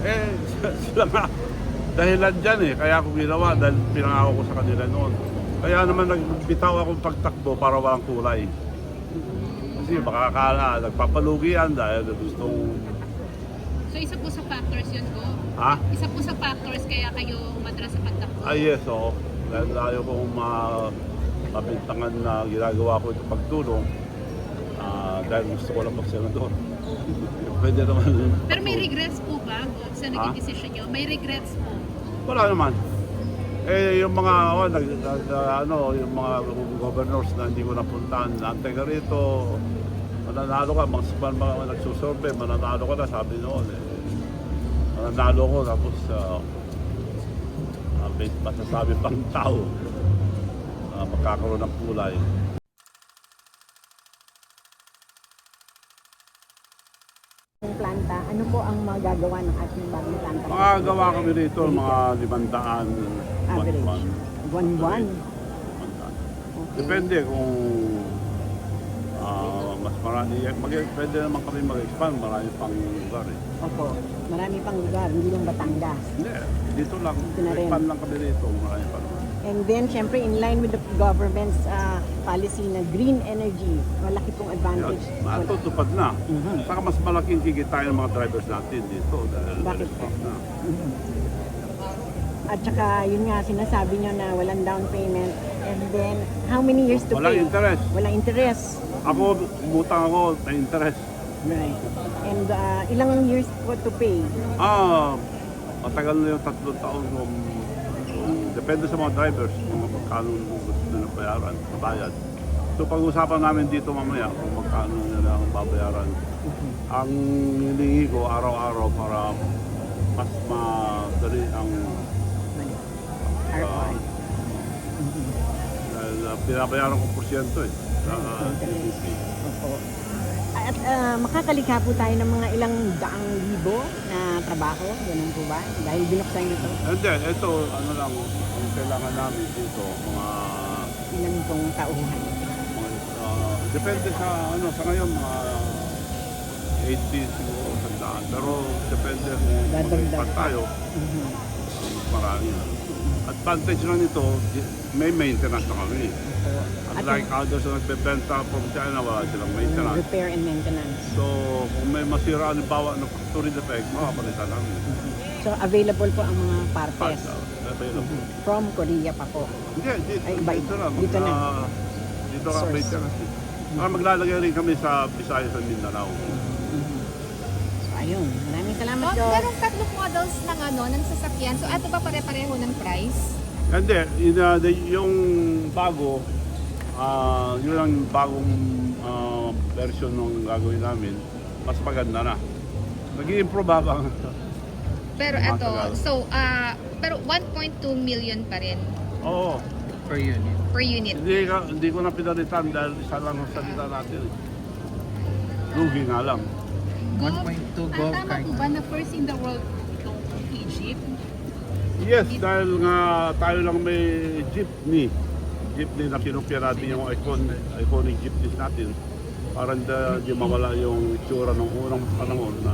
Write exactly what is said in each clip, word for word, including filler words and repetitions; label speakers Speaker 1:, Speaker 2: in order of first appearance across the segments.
Speaker 1: Eh, sila nga, dahilan dyan eh. Kaya ako ginawa dahil pinangako ko sa kanila noon. Kaya naman nagbitaw akong pagtakbo para walang kulay. Kasi baka akala, nagpapalugi yan dahil gustong...
Speaker 2: So isa po sa factors yun po?
Speaker 1: Ha?
Speaker 2: Isa po sa factors kaya kayo umatras sa pagtakbo?
Speaker 1: Ah, yes, oo. Dahil ayaw kong ma mabintangan na ginagawa ko ito pagtulong. Ah, dahil gusto ko lang magsenador. Pwede naman.
Speaker 2: Pero may regrets po ba sa naging
Speaker 1: Ha?
Speaker 2: decision nyo? May regrets po?
Speaker 1: Wala naman. Eh, yung mga, oh, nag, nag, ano, yung mga governors na hindi ko napuntahan, antay ka rito, mananalo ka, mga, mga, mga nagsusurvey, mananalo ka na, sabi noon. Eh. Mananalo ko, tapos, uh, uh, may masasabi pang tao, uh, magkakaroon ng kulay.
Speaker 3: Yung planta, ano po ang magagawa ng ating bagong planta?
Speaker 1: Mga gawa kami rito, mga limandaan,
Speaker 3: Average.
Speaker 1: one-one.
Speaker 3: One-one.
Speaker 1: Limandaan.
Speaker 3: Okay.
Speaker 1: Depende kung ah, mas marami, mag, pwede naman kami mag-expand, marami pang lugar eh.
Speaker 3: Opo. Marami pang lugar, hindi lang Batangas.
Speaker 1: Hindi, dito lang,
Speaker 3: Dito na rin.
Speaker 1: expand lang kami rito, marami pa naman.
Speaker 3: And then, syempre, in line with the government's uh, policy na green energy, malaki pong advantage.
Speaker 1: Yes, matutupad na.
Speaker 3: Mhm.
Speaker 1: Saka mas malaking kikitain ng mga drivers natin dito dahil
Speaker 3: Bakit
Speaker 1: electric
Speaker 3: po?
Speaker 1: na.
Speaker 3: Mhm. At saka, yun nga, sinasabi nyo na walang down payment. And then, how many years to
Speaker 1: Walang
Speaker 3: pay?
Speaker 1: interest.
Speaker 3: Walang interest.
Speaker 1: Ako, umutang ako, may interest.
Speaker 3: Right. And uh, ilang years po to pay?
Speaker 1: Ah, matagal na yung tatlong taon kung kung depende sa mga drivers kung magkano gusto nila bayaran, bayad. So pag-usapan namin dito mamaya kung magkano nila ang babayaran. Ang hilingi ko araw-araw para mas madali ang
Speaker 3: R O I.
Speaker 1: dahil uh, pinabayaran ko porsyento eh sa uh, G D P.
Speaker 3: Opo. At uh, makakalikha po tayo ng mga ilang daang libo na trabaho, ganun po ba? Dahil binuksan nyo ito,
Speaker 1: And then, ito, ano lang, ang kailangan namin dito, mga,
Speaker 3: ilan pong tauhan.
Speaker 1: mga uh, depende sa, ano, sa ngayon, mga eighty siguro, sandaan. Pero depende kung
Speaker 3: Dadagdag.
Speaker 1: mag-expand tayo,
Speaker 3: Mhm.
Speaker 1: mas marami na. Advantage lang nito, may maintenance na kami.
Speaker 3: Opo. At
Speaker 1: Unlike others na nagbebenta from China, wala silang
Speaker 3: yung
Speaker 1: maintenance.
Speaker 3: repair and maintenance.
Speaker 1: So, kung may masira, halimbawa ng factory defect, makapalitan namin.
Speaker 3: So, available po ang mga partes
Speaker 1: Parts, uh, available.
Speaker 3: from Korea pa po.
Speaker 1: Hindi, dito,
Speaker 3: Ay, iba-
Speaker 1: dito lang.
Speaker 3: dito na.
Speaker 1: Ah, dito ka
Speaker 3: Source.
Speaker 1: maintenance. Ah, maglalagay rin kami sa Visayas at Mindanao.
Speaker 3: So, ayun. Maraming salamat,
Speaker 4: Oh,
Speaker 3: Dok.
Speaker 4: merong tatlong models ng ano, ng sasakyan. So, ato ba pare-pareho ng price?
Speaker 1: Hindi, yun, uh, the- yung bago, ah yun ang bagong ah, version ng gagawin namin, mas maganda na. Nag-i-improve habang
Speaker 4: Pero
Speaker 1: Matagal.
Speaker 4: ito, so, ah, pero one point two million pa rin
Speaker 1: oo.
Speaker 5: per unit.
Speaker 4: per unit.
Speaker 1: Hindi, ka, hindi ko na pinalitan dahil isa lang ang salita natin. eh. Lugi nga lang.
Speaker 5: one point two
Speaker 2: Ah,
Speaker 5: Gov
Speaker 2: tama
Speaker 5: card.
Speaker 2: po ba na first in the world itong Egypt?
Speaker 1: Yes, dahil nga tayo lang may jeepney. Jeepney na pinupya natin yung icon, iconic jeepneys natin. Para hindi, hindi mawala yung itsura ng unang panahon na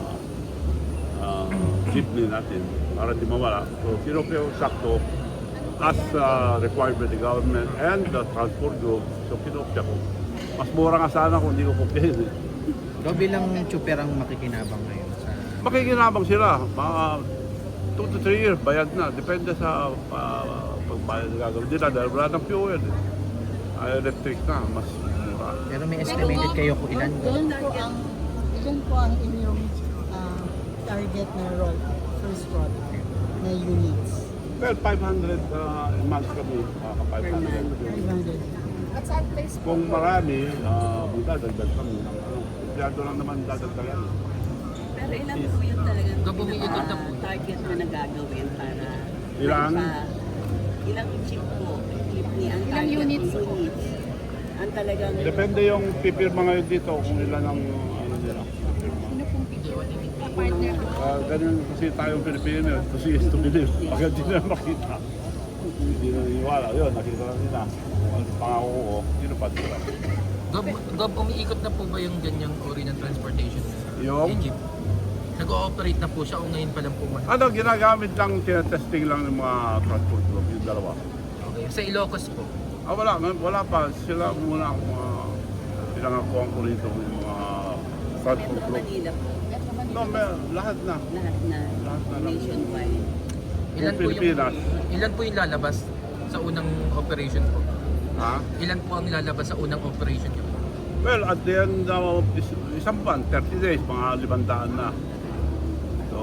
Speaker 1: ah, jeepney natin. Para hindi mawala. So, pinupya yung sakto as uh, required by the government and the transport group. So, pinupya ko. Mas mura nga sana kung hindi ko kupyahin. Eh.
Speaker 5: Ikaw bilang chuper ang makikinabang ngayon sa...
Speaker 1: Makikinabang sila. Mga two to three years, bayad na. Depende sa uh, pagbayad na gagawin nila dahil wala ng fuel. Eh. Ay, electric na, mas mura.
Speaker 5: Pero may estimated kayo kung ilan?
Speaker 6: Ilan po ang, ilan po ang inyong ah, target na roll, first roll na units?
Speaker 1: Well, five hundred uh, a month kami, uh, five hundred.
Speaker 6: five hundred.
Speaker 4: At saan place po?
Speaker 1: Kung marami, uh, magdadagdag kami. Ano, Empleyado lang naman dadagdagan.
Speaker 7: Pero ilan po yun talagang
Speaker 5: Kabumiikot na po.
Speaker 7: target na nagagawin para
Speaker 1: Ilan?
Speaker 7: pa- ilang jeep po, jeepney ang
Speaker 2: Ilang
Speaker 7: target
Speaker 2: units
Speaker 7: ng
Speaker 2: po?
Speaker 7: units. Ang talagang
Speaker 1: Depende yung pipirma ngayon dito kung ilan ang ano nila. pipirma.
Speaker 2: Sino pong picture? Partner po.
Speaker 1: Uh, ganun kasi tayong Pilipino, kasi is to believe. Pag hindi na makita, hindi na naniwala. Yun, nakita na nila. Kung ano pangako ko, tinupad ko lang.
Speaker 5: Gov, Gov, umiikot na po ba yung ganyang uri ng transportation?
Speaker 1: Yung?
Speaker 5: jeep? Nag-ooperate na po siya o ngayon pa lang po? ma-
Speaker 1: Ano, ginagamit lang, tinetesting lang ng mga transport group, yung dalawa.
Speaker 5: Okay. Sa Ilocos po?
Speaker 1: Ah, wala, wala pa. Sila muna ang mga pinangakuhan ko rito, yung mga transport
Speaker 7: Metro
Speaker 1: group.
Speaker 7: Manila po.
Speaker 1: No, may, lahat na.
Speaker 7: Lahat na.
Speaker 1: Lahat na lang.
Speaker 7: Nationwide.
Speaker 5: Ilan po yung,
Speaker 1: Pilipinas.
Speaker 5: ilan po yung lalabas sa unang operation po?
Speaker 1: Ha?
Speaker 5: Ilan po ang lalabas sa unang operation niyo po?
Speaker 1: Well, at the end of is- isang buwan, thirty days, mga limandaan na. So,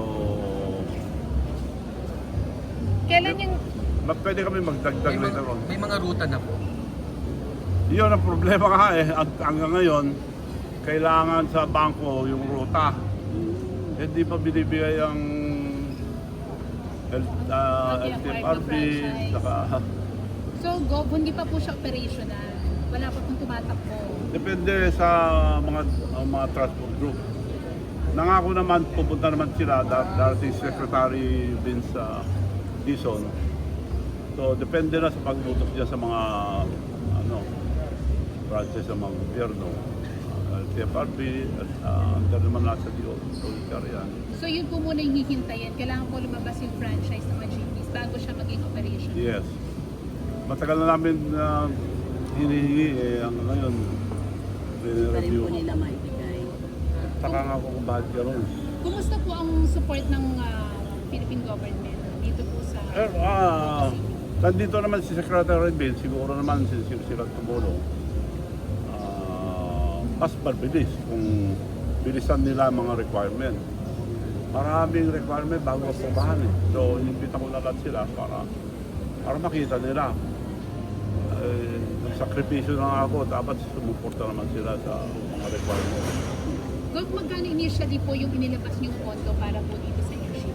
Speaker 2: Kailan yung
Speaker 1: ma- pwede kami magdagdag
Speaker 5: May mga,
Speaker 1: later on.
Speaker 5: may mga ruta na po.
Speaker 1: Yun ang problema nga eh. At hanggang ngayon, kailangan sa bangko yung ruta. Hindi pa binibigay ang L, uh, L T F R B, saka
Speaker 2: So, Gov, hindi pa po siya operational. Wala pa pong tumatakbo.
Speaker 1: depende sa mga ang mga transport group. Nangako naman, pupunta naman sila, dar- darating si Secretary Vince uh, Dizon. So, depende na sa pagbutok niya sa mga ano, branches sa mga gobyerno. Uh, L T F R B, at uh, andyan naman nasa D O, yan.
Speaker 2: So, yun po muna yung hihintayin. Kailangan po lumabas yung franchise ng mga jeepneys bago siya maging operational.
Speaker 1: Yes. Matagal na namin uh, hinihingi eh, hanggang ngayon.
Speaker 7: Pa rin
Speaker 1: Review.
Speaker 7: po nila maibigay.
Speaker 1: Saka nga ako kung bakit gano'n.
Speaker 2: Kumusta po ang support ng ah, Philippine government dito po sa...
Speaker 1: Eh, ah, nandito naman si Secretary Bill, siguro naman si, si, sila tumulong. Ah, mas mabilis kung bilisan nila ang mga requirement. Maraming requirement bago aprobahan eh. So, inimbita ko na lahat sila para para makita nila. Eh, nagsakripisyo na ako, dapat sumuporta naman sila sa mga requirement.
Speaker 2: Gov, magkano initially po yung inilabas niyong pondo para po dito sa airship?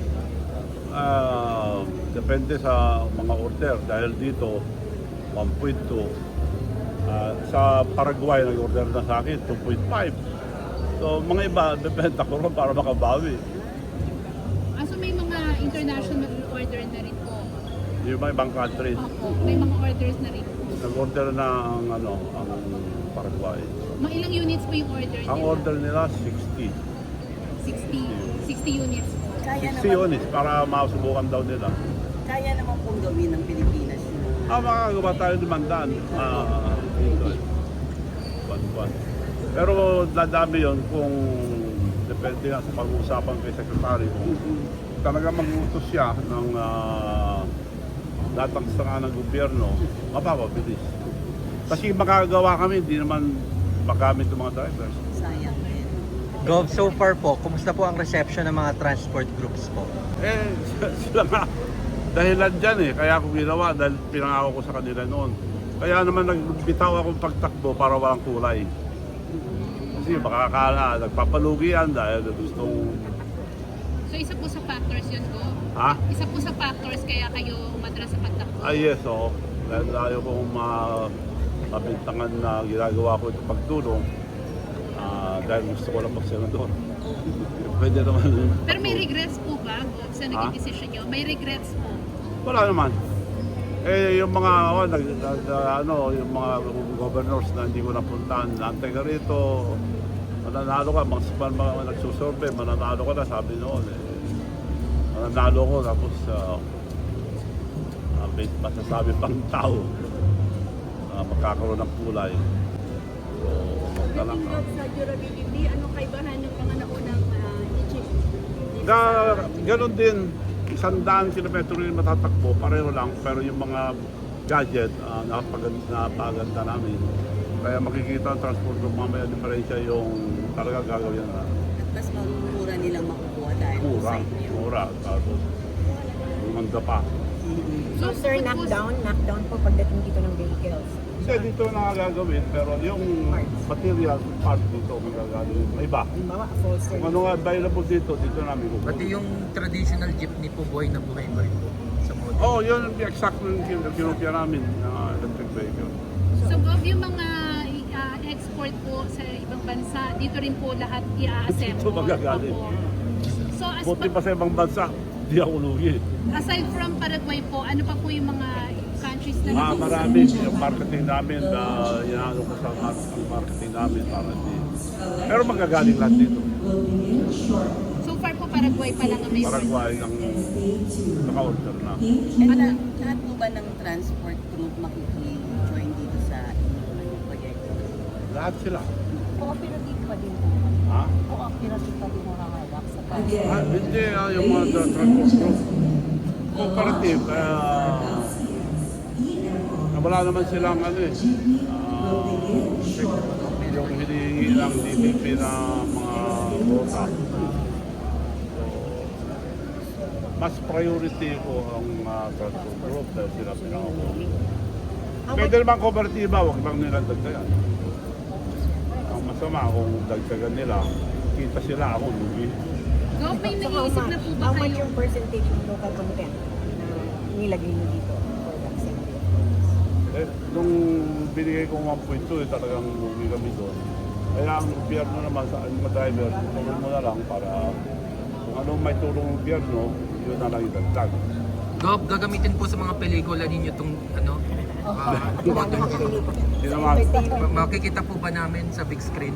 Speaker 1: Ah, depende sa mga order dahil dito one point two. Ah, sa Paraguay nag-order na sa akin two point five. So mga iba bebenta ko rin para makabawi.
Speaker 2: Ah, so may mga international order na rin po.
Speaker 1: Yung mga ibang countries
Speaker 2: Opo, may mga orders na rin po.
Speaker 1: nag-order na ang ano ang Paraguay.
Speaker 2: Mga ilang units po yung order nila?
Speaker 1: Ang order nila sixty.
Speaker 2: sixty. sixty units po.
Speaker 7: Kaya
Speaker 1: sixty
Speaker 7: naman,
Speaker 1: units para masubukan daw nila.
Speaker 7: kaya naman pong gawin ng Pilipinas yung mga
Speaker 1: Ah, makakagawa tayo limandaan. Ah, dito. Buwan-buwan. Pero dadami yon kung depende nga sa pag-uusapan kay Secretary kung talaga mag-utos siya ng uh, datang ng gobyerno, mapapabilis. Kasi makakagawa kami, hindi naman magamit ng mga drivers.
Speaker 7: sayang rin.
Speaker 8: Gov, so far po, kumusta po ang reception ng mga transport groups po?
Speaker 1: Eh, sila nga, dahilan dyan eh, kaya ako ginawa dahil pinangako ko sa kanila noon. Kaya naman nagbitaw akong pagtakbo para walang kulay. Kasi makakala, nagpapalugi yan dahil gustong,
Speaker 2: So isa po sa factors yun, Go?
Speaker 1: ha?
Speaker 2: Isa po sa factors kaya kayo umadra sa pagtakbo?
Speaker 1: Ah yes, oo. Dahil ayaw kong ma mabintangan na ginagawa ko itong pagtulong ah, dahil gusto ko lang mag-senador. Pwede naman.
Speaker 2: Pero may regrets po ba, Go, sa naging
Speaker 1: Ha?
Speaker 2: decision nyo? May regrets po?
Speaker 1: Wala naman. Eh, yung mga, oh, nag, nag, ano, yung mga governors na hindi ko napuntahan, nantay ka rito, mananalo ka, mga, mga, mga nagsusurvey, mananalo ka na, sabi noon. Eh. Mananalo ko, tapos uh, uh, may masasabi pang tao, uh, magkakaroon ng kulay. So, magdala ka.
Speaker 7: Sa durability, anong kaibahan ng mga naunang uh, Egypt?
Speaker 1: Na, ganun din, isang daan kilometro rin matatakbo, pareho lang, pero yung mga gadget, uh, napaganda, napaganda namin. Kaya makikita ang transport group mamaya diferensya yung talaga gagawin na
Speaker 7: At mas mura nilang makukuha dahil
Speaker 1: mura,
Speaker 7: sa inyo.
Speaker 1: mura, tapos umanda pa.
Speaker 3: So, sir, knockdown, knockdown po pagdating dito ng vehicles.
Speaker 1: Kasi dito na gagawin, pero yung material part dito magagawin, may iba.
Speaker 3: Halimbawa, full
Speaker 1: Kung
Speaker 3: service.
Speaker 1: ano nga available dito, dito namin
Speaker 5: Pati
Speaker 1: kukunin.
Speaker 5: yung traditional jeepney po, buhay na buhay pa rin po sa model.
Speaker 1: Oh, yun ang exact yung kin- kinopya namin na electric vehicle.
Speaker 2: So, Gov, yung mga ah, export po sa ibang bansa, dito rin po lahat i-assemble.
Speaker 1: Dito magagaling.
Speaker 2: Opo. So, as
Speaker 1: Buti pa sa ibang bansa, di ako lugi.
Speaker 2: aside from Paraguay po, ano pa po yung mga countries na
Speaker 1: Ah, marami yung marketing namin na uh, inaano ko sa mar- ang marketing namin para di. Pero magagaling lahat dito.
Speaker 2: So, Paraguay pa lang ang may
Speaker 1: Paraguay ang naka-order na.
Speaker 9: And uh, lahat po ba ng transport group makiki-join dito sa inyong proyekto?
Speaker 1: Lahat sila.
Speaker 3: Cooperative pa din po.
Speaker 1: Ha?
Speaker 3: Cooperative pa din nakahawak sa
Speaker 1: Ah, hindi, ah, yung mga tra- transport group. Cooperative, uh, wala naman silang ano eh. ah, yung hinihingi ng D P P na mga quota. So, mas priority ko ang uh, transport group dahil sila pinakakuha. Pwede naman kooperatiba, huwag lang nila dagdagan. Ang masama kung dagdagan nila, kita sila ako, lugi.
Speaker 2: Go, may nag-iisip na po ba
Speaker 3: How much
Speaker 2: kayo?
Speaker 3: yung percentage ng local content na nilagay nyo dito for the assembly?
Speaker 1: Eh, nung binigay ko one point two, eh, talagang lugi kami doon. Kaya ang gobyerno naman sa mga driver, tulong mo na lang para kung anong may tulong ng gobyerno, yun na lang idagdag.
Speaker 5: Gob, gagamitin po sa mga pelikula ninyo itong ano, uh, photo nyo.
Speaker 1: Hindi naman,
Speaker 5: Ma- Makikita po ba namin sa big screen?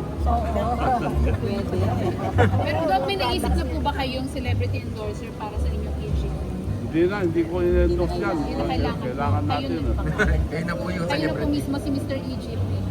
Speaker 2: Pero Doc, may naisip na po ba kayong celebrity endorser para sa inyong Egypt?
Speaker 1: hindi na, hindi ko in-endorse yan.
Speaker 2: Yun ang kailangan po.
Speaker 1: Kailangan
Speaker 2: Kayo
Speaker 1: natin.
Speaker 2: na
Speaker 1: eh.
Speaker 2: po.
Speaker 5: Kayo na po yung
Speaker 2: Kayo na po
Speaker 5: celebrity.
Speaker 2: mismo si Mister Egypt. Eh.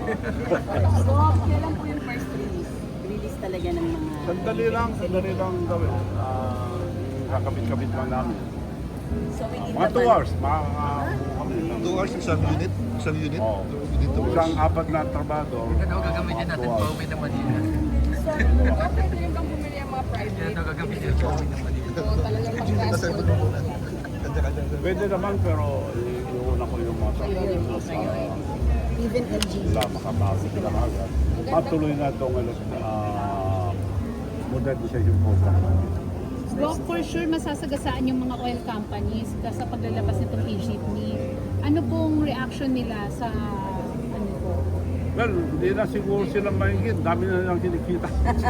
Speaker 9: So, kailan po yung first release? Release talaga ng mga...
Speaker 1: Sandali lang, sandali lang gawin. Ah, yung kakabit-kabit lang namin.
Speaker 9: So, within
Speaker 1: Mga
Speaker 9: the
Speaker 1: two
Speaker 9: ban-
Speaker 1: hours, makakabuo kami. ng-
Speaker 10: Two hours isang unit? Isang unit?
Speaker 1: Oo.
Speaker 10: Dito
Speaker 1: Isang apat na trabaho.
Speaker 5: Ano gagamitin natin pa uwi na Manila?
Speaker 7: Pwede rin bang bumili ang mga private?
Speaker 5: Ano gagamitin pa uwi na Manila?
Speaker 7: O talagang
Speaker 10: Nasa
Speaker 7: pang-transport?
Speaker 10: mo muna. Kanya-kanya.
Speaker 1: Pwede naman pero eh, iuna ko yung mga trabaho.
Speaker 3: Even L G.
Speaker 1: Wala makabago sila agad. Matuloy na itong uh, modernization program.
Speaker 2: Doc, for sure masasagasaan yung mga oil companies sa paglalabas nitong e-jeepney. Ano pong reaction nila sa ano po?
Speaker 1: Well, hindi na siguro sila mahigit. Dami na nilang kinikita.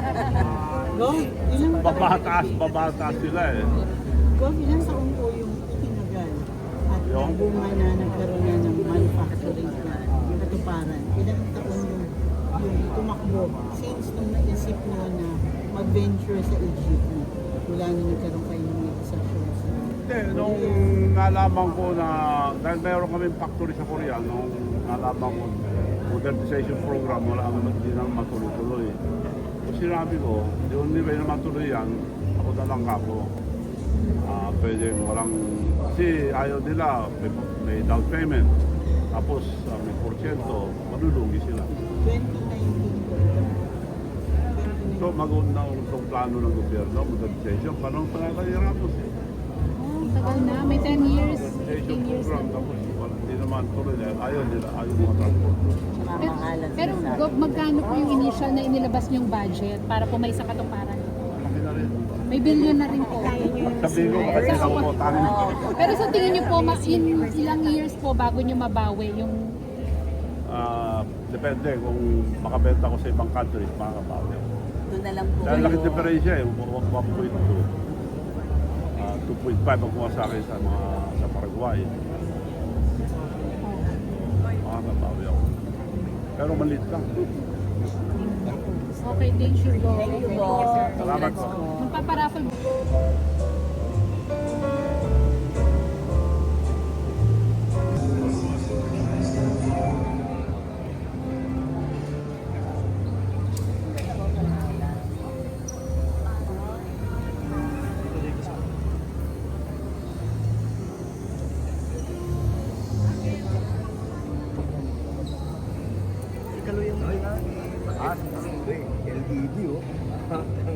Speaker 6: Go, ilang,
Speaker 1: Babataas, babataas sila eh.
Speaker 6: go, ilang taon po yung tinagal at
Speaker 1: Yung?
Speaker 6: bunga na nagkaroon na ng manufacturing na katuparan. Ilang taon yung, yung tumakbo since nung naisip nyo na mag-venture sa Egypt mula na nagkaroon kayo ng negosasyon sa
Speaker 1: Hindi, nung nalaman ko na, dahil mayroon kaming factory sa Korea, nung nalaman ko modernization program, wala naman hindi naman matuloy-tuloy. So sinabi ko, the only way na matuloy yan, ako na lang kako. Ah, pwede walang, kasi ayaw nila, may, may down payment. Tapos ah, may porsyento, malulugi sila.
Speaker 6: twenty nineteen po.
Speaker 1: So mag-una itong plano ng gobyerno, modernization, panong panatay Ramos eh.
Speaker 2: Oh, tagal na. May ten years,
Speaker 1: Modernization
Speaker 2: fifteen years
Speaker 1: program,
Speaker 2: na.
Speaker 1: tapos wala, hindi naman tuloy na, ayaw nila, ayaw mga transport.
Speaker 2: Pero, pero Doc, magkano po yung initial na inilabas niyong budget para po may sa katuparan?
Speaker 1: Malaki na rin.
Speaker 2: May billion na rin po.
Speaker 1: Sabihin ko kasi nakukutangan ko.
Speaker 2: Pero sa tingin niyo po, ma- in ilang years po bago niyo mabawi yung
Speaker 1: Ah, depende kung makabenta ko sa ibang countries, makakabawi.
Speaker 9: Doon na lang po
Speaker 1: Dahil laki
Speaker 9: kayo-
Speaker 1: diferensya eh, one point two. Ah, two point five ang kuha sa akin sa mga sa Paraguay. Makakabawi ako. Pero maliit lang.
Speaker 2: okay, thank you, Doc.
Speaker 9: Thank you po.
Speaker 1: Salamat po.
Speaker 2: Magpaparaffle
Speaker 10: L E D oh.